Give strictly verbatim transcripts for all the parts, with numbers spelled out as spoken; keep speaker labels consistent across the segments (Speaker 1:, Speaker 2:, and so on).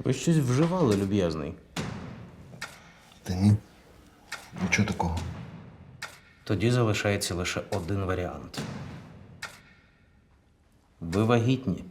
Speaker 1: Ви щось вживали, люб'язний.
Speaker 2: Та ні. Нічого такого.
Speaker 1: Тоді залишається лише один варіант. Ви вагітні.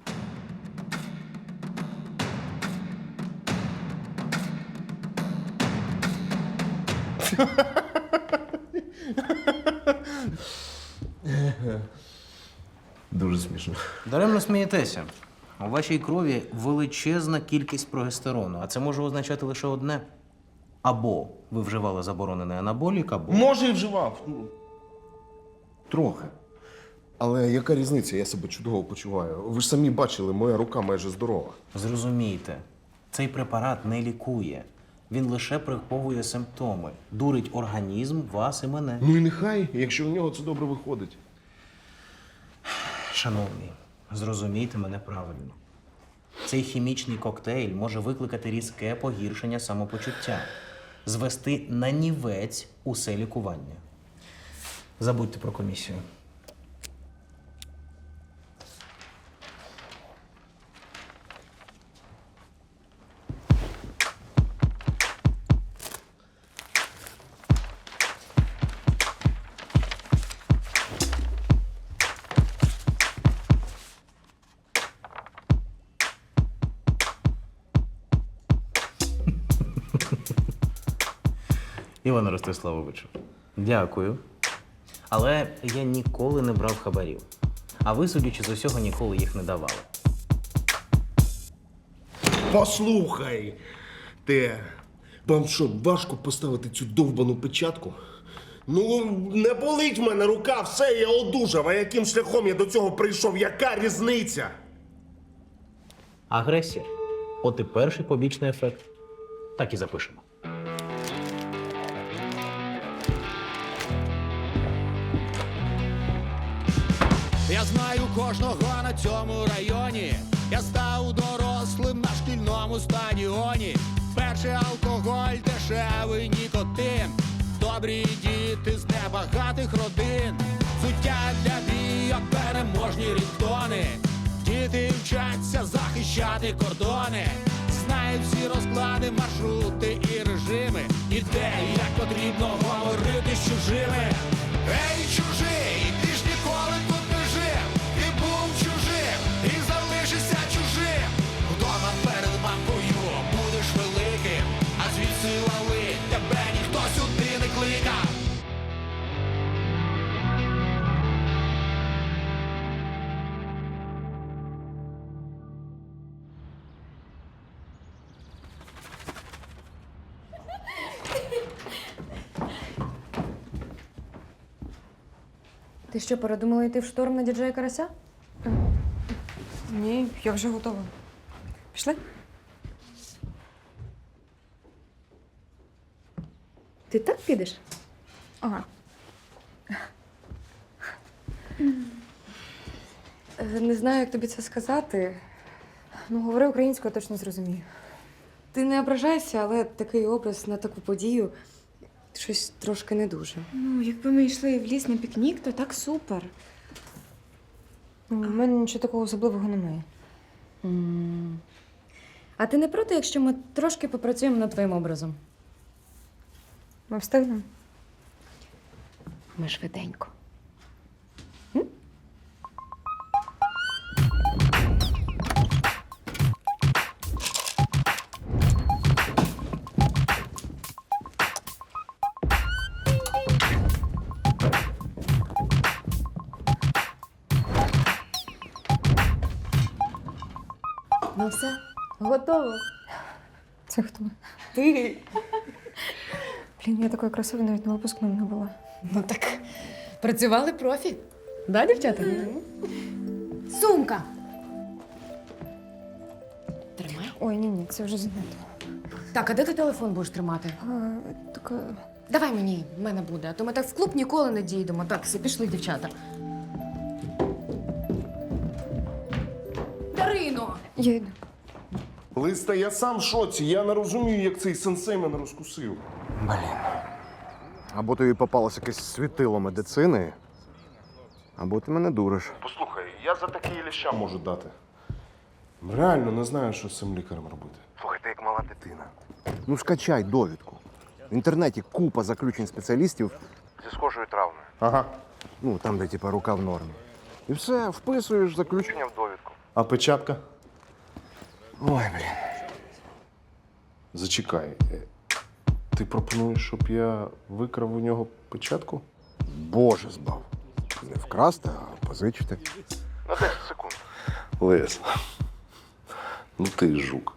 Speaker 2: Дуже смішно.
Speaker 1: Даремно смієтеся. У вашій крові величезна кількість прогестерону, а це може означати лише одне. Або ви вживали заборонений анаболік, або…
Speaker 2: Може, і вживав. Ну, трохи. Але яка різниця? Я себе чудово почуваю. Ви ж самі бачили, моя рука майже здорова.
Speaker 1: Зрозумійте, цей препарат не лікує. Він лише приховує симптоми, дурить організм, вас і мене.
Speaker 2: Ну і нехай, якщо в нього це добре виходить.
Speaker 1: Шановний, зрозумійте мене правильно. Цей хімічний коктейль може викликати різке погіршення самопочуття, звести на нівець усе лікування. Забудьте про комісію. Іване Ростиславовичу, дякую. Але я ніколи не брав хабарів. А ви, судячи з усього, ніколи їх не давали.
Speaker 2: Послухай! Ти, вам що, важко поставити цю довбану печатку? Ну, не болить в мене рука, все, я одужав. А яким шляхом я до цього прийшов? Яка різниця?
Speaker 1: Агресія. От і перший побічний ефект. Так і запишемо.
Speaker 3: Я знаю кожного на цьому районі. Я став дорослим на шкільному стадіоні. Перший алкоголь, дешевий нікотин. Добрі діти з небагатих родин. Суття для бійок, переможні рідтони. Діти вчаться захищати кордони. Знають всі розклади, маршрути і режими. І де і як потрібно говорити з чужими. Ей, чужий, ти ж ніколи тут не жив. Ти був чужим і залишишся чужим. Вдома перед мамкою будеш великим, а звідси лали тебе ніхто сюди не кликав.
Speaker 4: Ти що, передумала йти в шторм на діджея Карася?
Speaker 5: Ні, я вже готова. Пішли?
Speaker 4: Ти так підеш?
Speaker 5: Ага.
Speaker 4: Е, Не знаю, як тобі це сказати. Ну, говори українською, я точно зрозумію. Ти не ображайся, але такий образ на таку подію щось трошки не дуже.
Speaker 5: Ну, якби ми йшли в ліс на пікнік, то так супер. Ну, у мене нічого такого особливого немає.
Speaker 4: М. А ти не проти, якщо ми трошки попрацюємо над твоїм образом?
Speaker 5: Ми встигнемо.
Speaker 4: Ми швиденько. Ну все, готово.
Speaker 5: Це хто?
Speaker 4: Ти.
Speaker 5: Блін, я такої красивої навіть на випускному не була.
Speaker 4: Ну так, працювали профі. Да, дівчата? Сумка. Тримай.
Speaker 5: Ой, ні, ні, це вже занадто.
Speaker 4: Так, а де ти телефон будеш тримати?
Speaker 5: А, так, а,
Speaker 4: Давай мені, в мене буде, а то ми так в клуб ніколи не дійдемо. Так, всі пішли, дівчата. Дарино!
Speaker 5: я йду.
Speaker 2: Листа, я сам в шоці. Я не розумію, як цей сенсей мене розкусив.
Speaker 6: Блін. Або тобі попалось якесь світило медицини, або ти мене дуриш.
Speaker 2: Послухай, я за такі ліща можу дати. Реально не знаю, що з цим лікарем робити.
Speaker 6: Слухай, ти мала дитина. Ну, скачай довідку. В інтернеті купа заключень спеціалістів зі схожою травмою.
Speaker 2: Ага.
Speaker 6: Ну, там, де типа рука в нормі. І все, вписуєш заключення в довідку.
Speaker 2: А печатка?
Speaker 6: Ой, блін.
Speaker 2: Зачекай. е, Ти пропонуєш, щоб я викрав у нього печатку?
Speaker 6: Боже збав. Не вкрасти, а позичити. На десять секунд.
Speaker 2: Лес. Ну ти жук.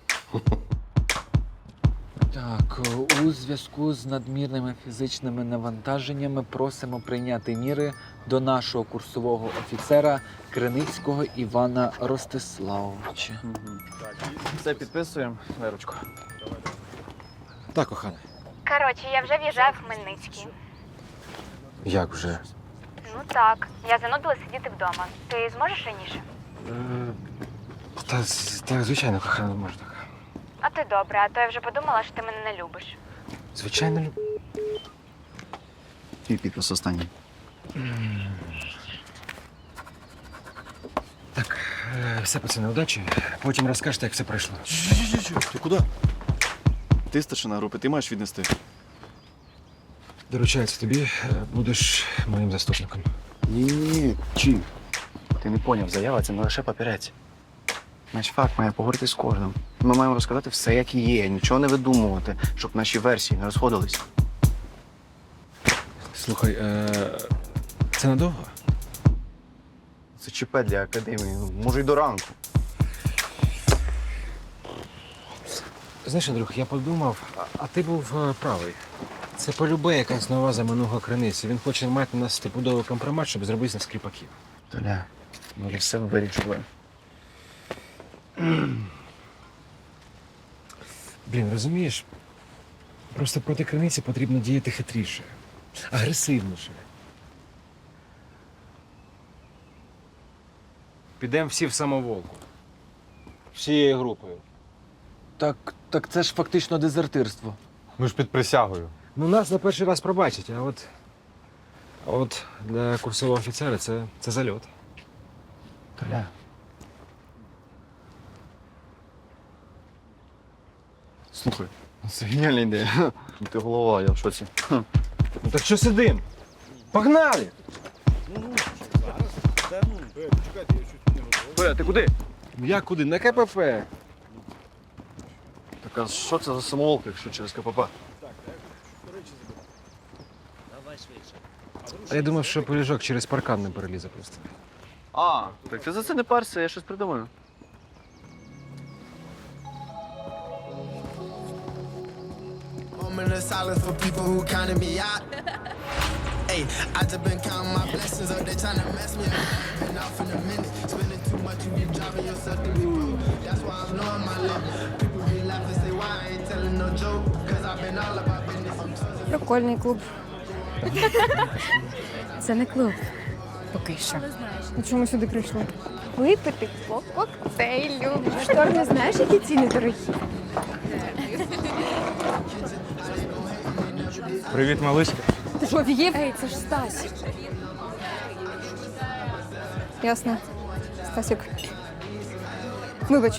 Speaker 7: Так, у зв'язку з надмірними фізичними навантаженнями просимо прийняти міри до нашого курсового офіцера Криницького Івана Ростиславовича. Все підписуємо, Лерочко. Так, кохана.
Speaker 8: Коротше, я вже в'їжджаю в Хмельницький.
Speaker 7: Як вже?
Speaker 8: Ну так, я занудила сидіти вдома. Ти зможеш раніше?
Speaker 7: Та, так, звичайно, кохана, можна так.
Speaker 8: А ти добре, а то я вже подумала, що ти мене не любиш.
Speaker 7: Звичайно, люб...
Speaker 9: І підпис останній.
Speaker 7: Так, е, все, пацани, удачі. Потім розкажете, як все пройшло.
Speaker 9: Ти куди? Ти старшина групи, ти маєш віднести.
Speaker 7: Доручається тобі, е, будеш моїм заступником.
Speaker 9: Ні-ні-ні, чи? Ти не поняв, заява це не лише папірець. Наш факт має поговорити з кожним. Ми маємо розказати все, як є, нічого не видумувати, щоб наші версії не розходились.
Speaker 7: Слухай, е, це надовго?
Speaker 9: Це ЧП для академії, ну, може й до ранку.
Speaker 7: Знаєш, Андрюх, я подумав, а, а ти був е, правий. Це полюбе якась нова замануга криниці. Він хоче мати на нас стопудовий компромат, щоб зробити з нас кріпаків.
Speaker 9: Толя, ми вже все вирішили.
Speaker 7: Блін, розумієш? Просто проти криниці потрібно діяти хитріше, агресивніше. Підемо всі в самоволку. Всією групою.
Speaker 10: Так, так це ж фактично дезертирство.
Speaker 11: Ми ж під присягою.
Speaker 7: Ну, нас на перший раз пробачать, а от, а от для курсового офіцера це, це зальот.
Speaker 9: Толя. Слухай, це геніальна ідея. Ти голова, я в шоці.
Speaker 7: Ну так що сидим? Погнали!
Speaker 9: Толя, ти куди?
Speaker 7: Я куди? На КПП.
Speaker 9: Так а що це за самоволка, якщо через КПП?
Speaker 7: А я думав, що поліжок через паркан не перелізе просто.
Speaker 9: А, так ти за це не парся, я щось придумаю.
Speaker 12: Moment of silence for people who counted me out. Hey, I just been counting my blessings up, they trying to mess me up. Been off in a minute, spending too much, you be driving yourself to be broke. That's why I'm knowing my limit. People be laughing, say why I ain't telling no joke. Cause I've been all about business. I'm trusting.
Speaker 4: Прикольний клуб. Це не клуб. Поки що.
Speaker 5: А чому сюди прийшли?
Speaker 4: Випити по коктейлю.
Speaker 5: Штор, не знаєш, які ціни дорогі?
Speaker 11: Привіт, малишка.
Speaker 5: Ти що, офігів?
Speaker 4: Ей, це ж Стась.
Speaker 5: Ясно. Стасік. Вибач.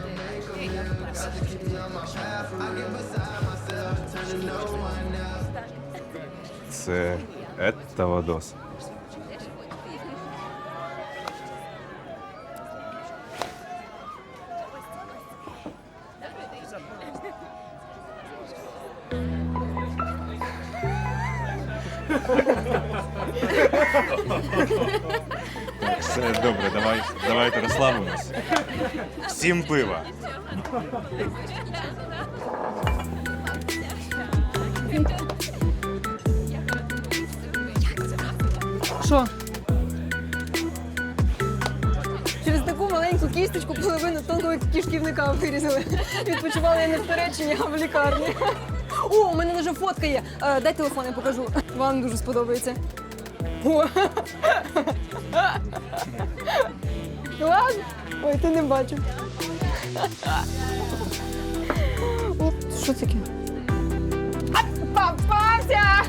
Speaker 11: Це Етта Вадос. Все добре, давай, давайте розслабимось. Всім пива.
Speaker 5: Що? Через таку маленьку кісточку половину тонкого кишківника вирізали. Відпочивала я не в Туреччині, а в лікарні. О, у мене вже фотка є. Е, дай телефон, я покажу. Вам дуже сподобається. О. Ладно? Ой, ти не бачив. О, що це таке? А, попався!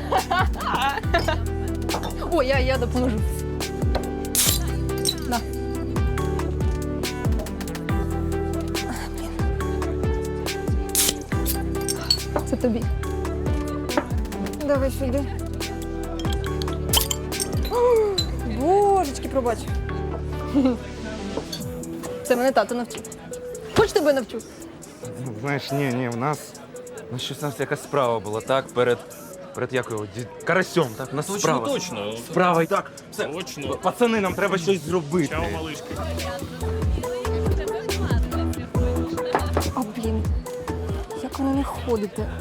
Speaker 5: О, я, я допоможу. На. Це тобі. Давай сюди. О, Божечки, пробач. Це мене тато навчив. Хоч тебе навчу?
Speaker 11: Знаєш, ні, ні, в нас. Ну, щось у нас якась справа була, так? Перед. Перед якою? Ді- Карасьом, так? У нас справа.
Speaker 13: Точно.
Speaker 11: Справа і так. Все.
Speaker 13: Точно.
Speaker 11: Пацани, нам треба щось зробити.
Speaker 13: Чао, малишки.
Speaker 5: А, блін. Як воно не ходите?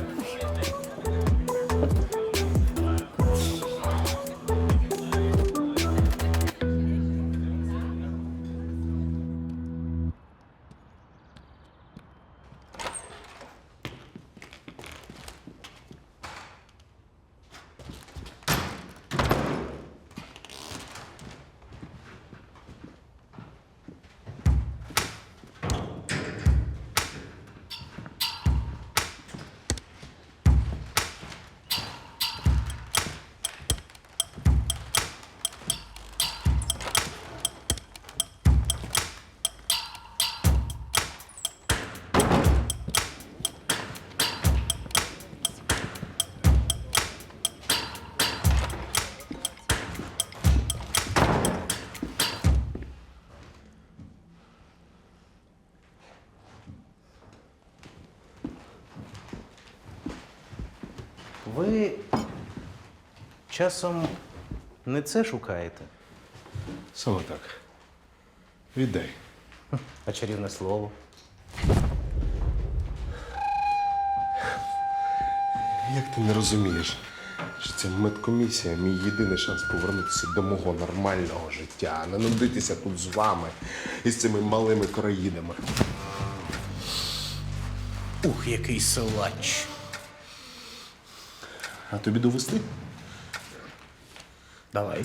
Speaker 1: Ви часом не це шукаєте,
Speaker 2: Саме так. Віддай.
Speaker 1: а чарівне слово.
Speaker 2: Як ти не розумієш, що ця медкомісія мій єдиний шанс повернутися до мого нормального життя, а не нудитися тут з вами і з цими малими короїдами.
Speaker 1: Ух, який силач.
Speaker 2: А тобі довести?
Speaker 1: Давай.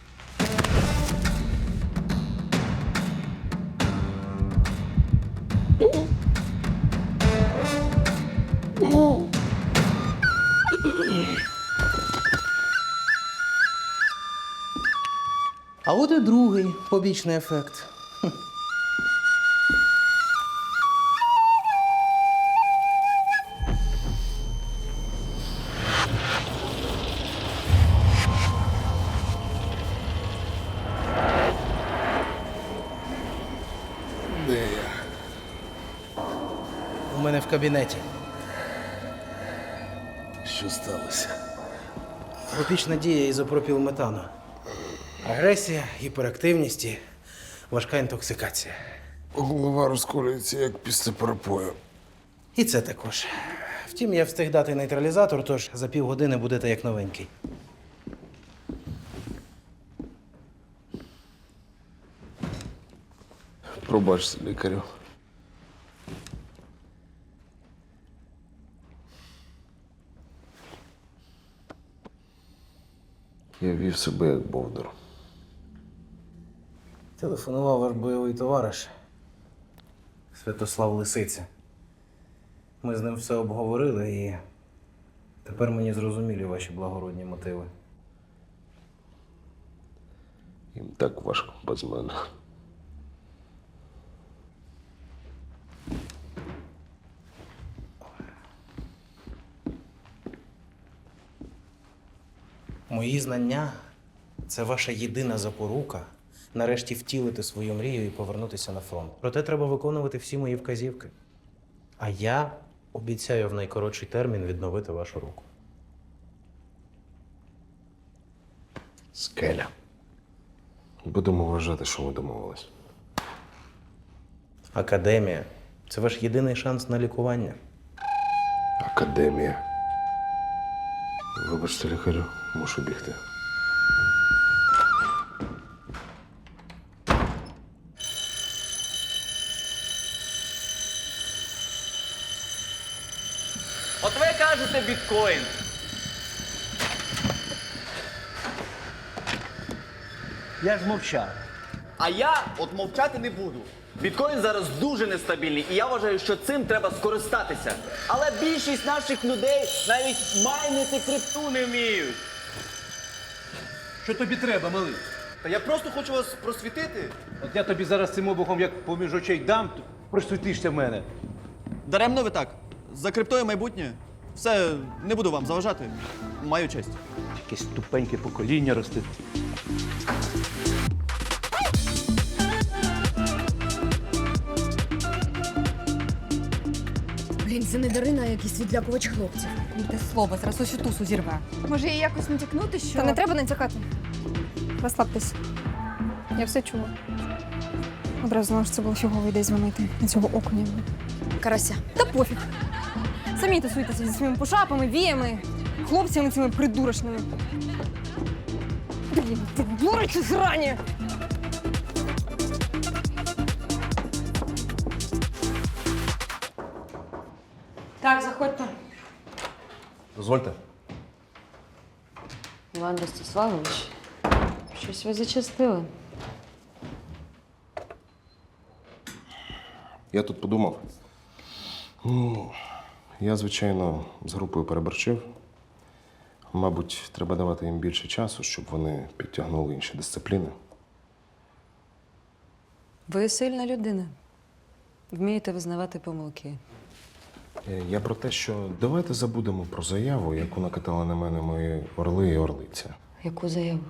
Speaker 1: А от і другий побічний ефект.
Speaker 2: Де я?
Speaker 1: У мене в кабінеті.
Speaker 2: Що сталося?
Speaker 1: Побічна дія ізопропілметану. Агресія, гіперактивність і важка інтоксикація.
Speaker 2: Голова розколюється, як після перепою.
Speaker 1: І це також. Втім, я встиг дати нейтралізатор, тож за півгодини будете як новенький.
Speaker 2: Пробачте, лікарю. Я вів себе як бовдур.
Speaker 1: Телефонував ваш бойовий товариш Святослав Лисиця. Ми з ним все обговорили і тепер мені зрозумілі ваші благородні мотиви.
Speaker 2: Їм так важко без мене.
Speaker 1: Мої знання це ваша єдина запорука нарешті втілити свою мрію і повернутися на фронт. Проте треба виконувати всі мої вказівки. А я обіцяю в найкоротший термін відновити вашу руку.
Speaker 2: Скеля. Будемо вважати, що ми домовились.
Speaker 1: Академія це ваш єдиний шанс на лікування.
Speaker 2: Академія. Вибачте, лікарю, мушу бігти.
Speaker 14: От ви кажете біткоін.
Speaker 10: Я ж мовчав.
Speaker 14: А я от мовчати не буду. Біткоін зараз дуже нестабільний, і я вважаю, що цим треба скористатися. Але більшість наших людей навіть майнити крипту не вміють.
Speaker 10: Що тобі треба, малий?
Speaker 14: Та я просто хочу вас просвітити.
Speaker 10: От я тобі зараз цим обухом як поміж очей дам, то просвітишся в мене.
Speaker 14: Даремно ви так. За криптою майбутнє. Все, не буду вам заважати. Маю честь.
Speaker 13: Якесь тупеньке покоління росте.
Speaker 5: Блін, це не Дарина, а якийсь відлякувач хлопців.
Speaker 4: Те слово, зараз усю тусу зірве.
Speaker 5: Може, їй якось натякнути, що. Та не треба натякати. Розслабтесь. Я все чула. Одразу знала, що це було фігово ідея дзвонити на цього окуня. Карася. Та пофіг. Самі тусуйтеся зі своїми пошапами, віями, хлопцями цими придурочними. Блін, ти дурочі зрані! Так, заходьте.
Speaker 2: Дозвольте.
Speaker 4: Іван Ростиславович, щось ви зачастили.
Speaker 2: Я тут подумав. Ну, я, звичайно, з групою переборчив. Мабуть, треба давати їм більше часу, щоб вони підтягнули інші дисципліни.
Speaker 4: Ви сильна людина. Вмієте визнавати помилки.
Speaker 2: Е, Я про те, що давайте забудемо про заяву, яку накатали на мене мої орли і орлиця.
Speaker 4: Яку заяву?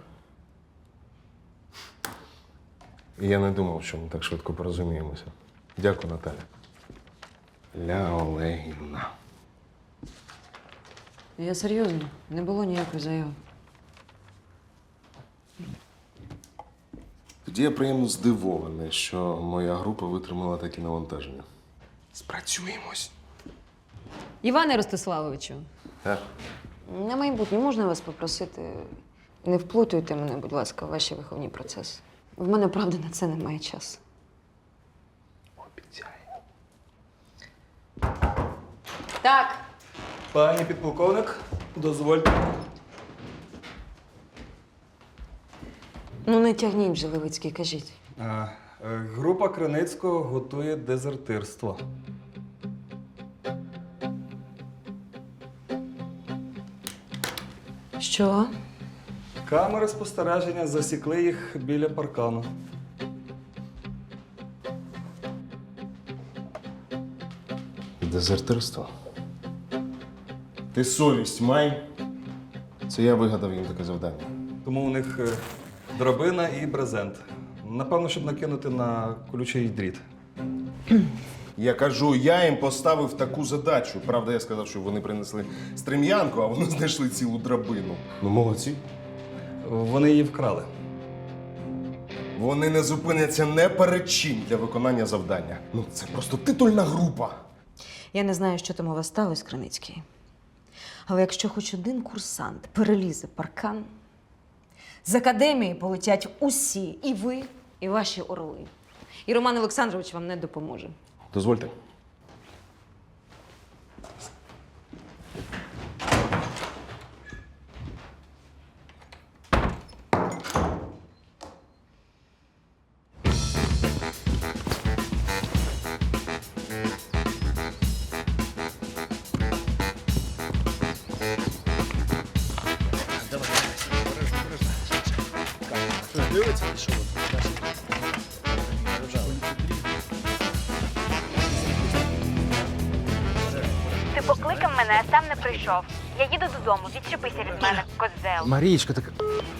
Speaker 2: І я не думав, що ми так швидко порозуміємося. Дякую, Наталя. Ля Олегівна.
Speaker 4: Я серйозно, не було ніякої заяви.
Speaker 2: Тоді я приємно здивований, що моя група витримала такі навантаження. Спрацюємось.
Speaker 4: Іване Ростиславовичу,
Speaker 2: Так.
Speaker 4: на майбутнє можна вас попросити, не вплутуйте мене, будь ласка, в ваші виховні процеси. В мене, правда, на це немає часу.
Speaker 2: Обіцяю.
Speaker 4: Так.
Speaker 11: Пані підполковник, дозвольте.
Speaker 4: Ну не тягніть вже, Левицький, кажіть.
Speaker 11: А, е, група Криницького готує дезертирство.
Speaker 4: Що?
Speaker 11: Камери спостереження засікли їх біля паркану.
Speaker 2: Дезертирство. Ти совість май. Це я вигадав їм таке завдання.
Speaker 11: Тому у них е, драбина і брезент. Напевно, щоб накинути на колючий дріт.
Speaker 2: Я кажу, я їм поставив таку задачу. Правда, я сказав, що вони принесли стрем'янку, а вони знайшли цілу драбину. Ну, молодці.
Speaker 11: Вони її вкрали.
Speaker 2: Вони не зупиняться не перед чим для виконання завдання. Ну, це просто титульна група.
Speaker 4: Я не знаю, що там у вас сталося, Криницький. Але якщо хоч один курсант перелізе паркан, з академії полетять усі, і ви, і ваші орли. І Роман Олександрович вам не допоможе.
Speaker 2: Дозвольте.
Speaker 8: Ти покликав мене, а сам не прийшов. Я їду додому, відчепися від мене, козел.
Speaker 7: Марічка, так.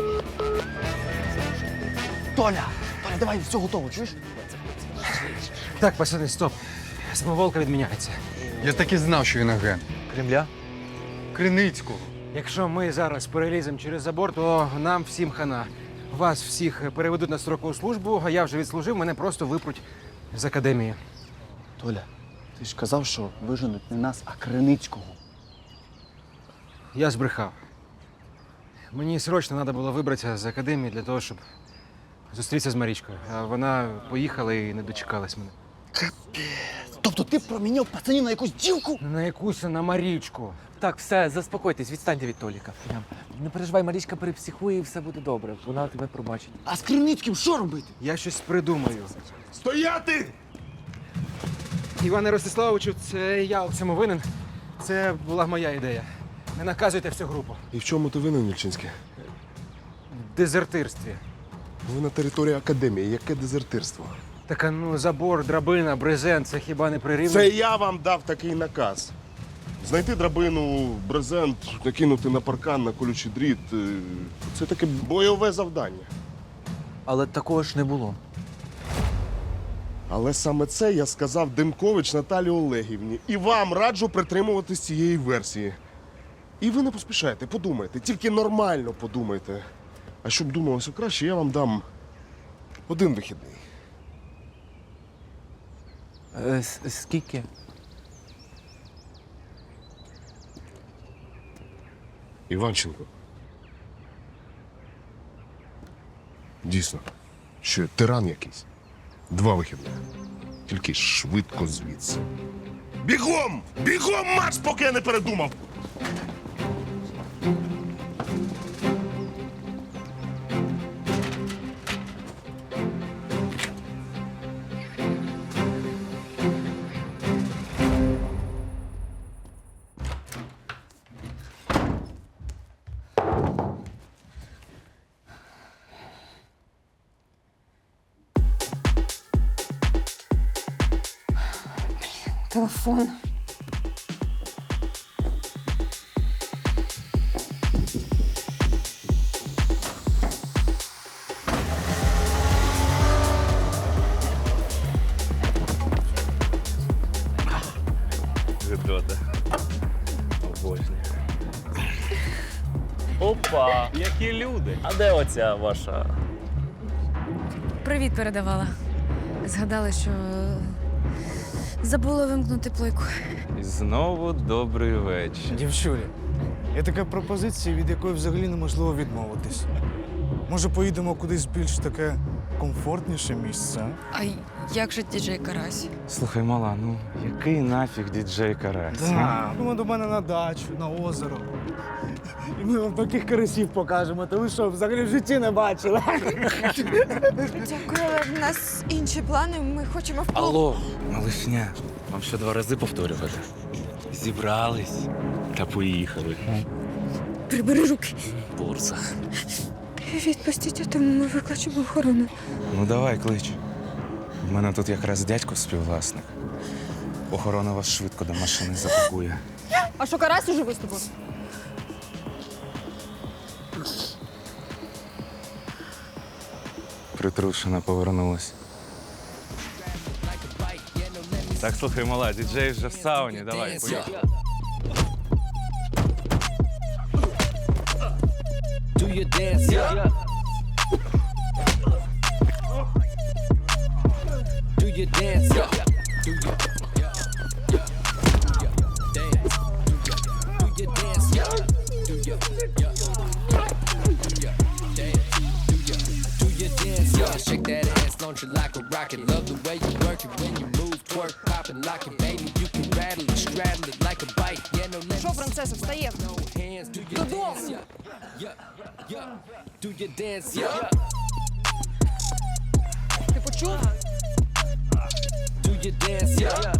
Speaker 9: Толя! Толя, давай, все готово, чуєш?
Speaker 7: Так, пацани, стоп. Самоволка відміняється.
Speaker 15: Я так і знав, що він агент.
Speaker 9: Кремля?
Speaker 15: Криницького.
Speaker 7: Якщо ми зараз переліземо через забор, то нам всім хана. Вас всіх переведуть на строкову службу, а я вже відслужив, мене просто випруть з академії.
Speaker 9: Толя, ти ж казав, що виженуть не нас, а Криницького.
Speaker 7: Я збрехав. Мені срочно треба було вибратися з академії для того, щоб зустрітися з Марічкою. А вона поїхала і не дочекалась мене.
Speaker 9: Тобто ти проміняв пацанів на якусь дівку?
Speaker 7: На якусь, а на Марічку.
Speaker 10: Так, все, заспокойтесь, відстаньте від Толіка. Прям. Не переживай, Марічка перепсихує і все буде добре. Вона тебе пробачить.
Speaker 9: А з Криницьким що робити?
Speaker 7: Я щось придумаю.
Speaker 2: Стояти!
Speaker 7: Іване Ростиславовичу, це я у цьому винен. Це була моя ідея. Не наказуйте всю групу.
Speaker 2: І в чому ти винен, Вільчинський?
Speaker 7: В дезертирстві.
Speaker 2: Ви на території академії. Яке дезертирство?
Speaker 7: Так, а ну, забор, драбина, брезент, це хіба не при рівні?
Speaker 2: Це я вам дав такий наказ. Знайти драбину, брезент, накинути на паркан, на колючий дріт е, це таке бойове завдання.
Speaker 10: Але такого ж не було.
Speaker 2: Але саме це я сказав Демкович Наталі Олегівні. І вам раджу притримуватись цієї версії. І ви не поспішайте, подумайте, тільки нормально подумайте. А щоб думалося краще, я вам дам один вихідний.
Speaker 10: Е, с- скільки?
Speaker 2: Іванченко. Дійсно, що я тиран якийсь. Два вихідних. Тільки швидко звідси. Бігом! Бігом марш, поки я не передумав!
Speaker 5: Телефон.
Speaker 11: Гидота. Обожнюю. Опа, які люди. А де оця ваша?
Speaker 16: Привіт передавала. Згадала, що забула вимкнути плойку.
Speaker 11: І знову добрий вечір.
Speaker 17: Дівчулі, є така пропозиція, від якої взагалі неможливо відмовитись. Може, поїдемо кудись більш таке комфортніше місце?
Speaker 16: А як же діджей Карась?
Speaker 11: Слухай, мала, ну який нафіг діджей Карась?
Speaker 17: Так. Ну, до мене на дачу, на озеро. І ми вам таких карасів покажемо, то ви що, взагалі в житті не бачили?
Speaker 16: Дякую, але в нас інші плани. Ми хочемо в
Speaker 11: Алло, малишня, вам ще два рази повторювати. Зібрались та поїхали.
Speaker 16: Прибери руки.
Speaker 11: Бурса.
Speaker 16: Відпустіть, а то ми викличемо охорону.
Speaker 11: Ну давай, клич. У мене тут якраз дядько співвласник. Охорона вас швидко до машини запакує.
Speaker 5: А що, Карась уже виступив?
Speaker 11: Притрушена повернулась. Так, слухай, мала, діджей вже в сауні, давай, поїхали.
Speaker 3: Do your dance, yeah. Do your dance, yeah. Do your, yeah, yeah, dance. Do your dance, yeah. Do your, yeah, do your dance. Do your, do your dance, yeah. Shake that ass, launch it like a rocket. Love the way you work it when you move, twerk, popping like it, baby. You can rattle it, straddle it like a bike. Yeah, no limits.
Speaker 5: Що, принцеса, встає?
Speaker 3: Hands, do your dance, yeah. Yeah, yeah. Do your dance, yeah.
Speaker 5: Ти почув?
Speaker 3: Do your dance, yeah.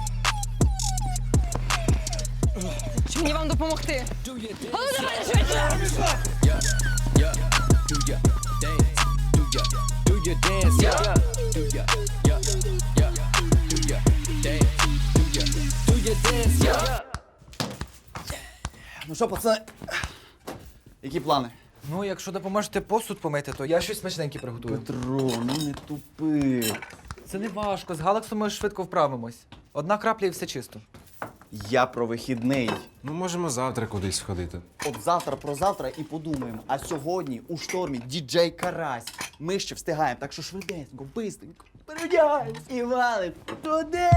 Speaker 5: Чи мені вам допомогти?
Speaker 3: Do your dance.
Speaker 5: А ну давай швидше!
Speaker 3: Yeah, yeah. Do your dance. Do your, do your dance, yeah. Do your, yeah, yeah. Do your dance. Do your, do your dance, yeah.
Speaker 9: Ну що, пацани, які плани?
Speaker 10: Ну, якщо допоможете посуд помити, то я щось смачненьке приготую.
Speaker 9: Петро, ну не тупи.
Speaker 10: Це не важко. З Галаксом ми швидко вправимось. Одна крапля і все чисто.
Speaker 9: Я про вихідний.
Speaker 7: Ну, можемо завтра кудись сходити.
Speaker 9: От завтра про завтра і подумаємо. А сьогодні у штормі діджей Карась. Ми ще встигаємо, так що швиденько, бистренько. Переодягаємось і валим туди.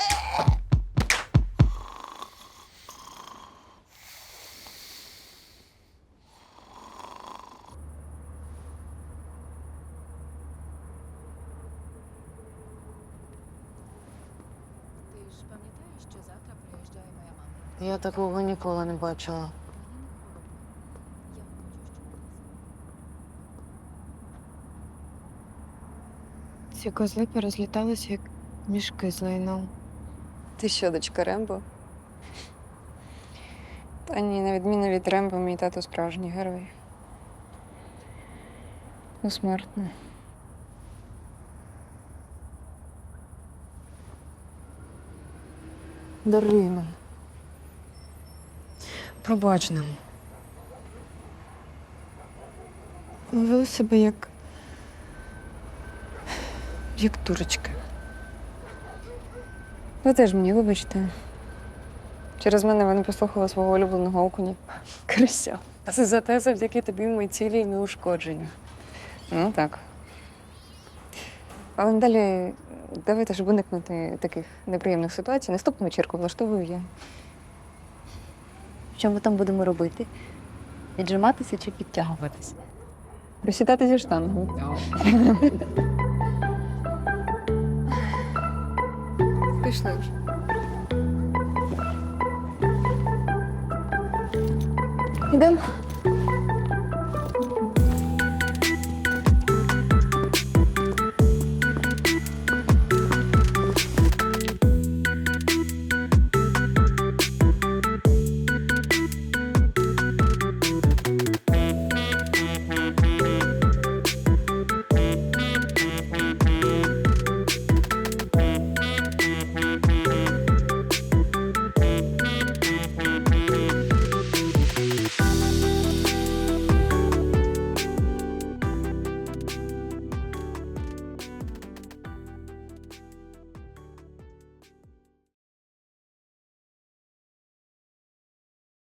Speaker 18: Я такого ніколи не бачила.
Speaker 16: Ці козли порозліталися, як мішки з лайном.
Speaker 5: Ти що, дочка Рембо? Та ні, на відміну від Рембо, мій тато справжній герой. Усмертно.
Speaker 18: Даруй мене.
Speaker 5: Пробач нам.
Speaker 16: Ми вели себе як. як дурочки.
Speaker 5: Ви теж мені вибачте. Через мене ви не послухали свого улюбленого окуня. Крися. А це зате завдяки тобі мої цілі і неушкоджені. Ну так. Але далі давайте, щоб уникнути таких неприємних ситуацій, наступну вечірку влаштовую я.
Speaker 18: Що ми там будемо робити? Віджиматися чи підтягуватися?
Speaker 5: Присідати зі штангами. Пішли вже. Ідемо.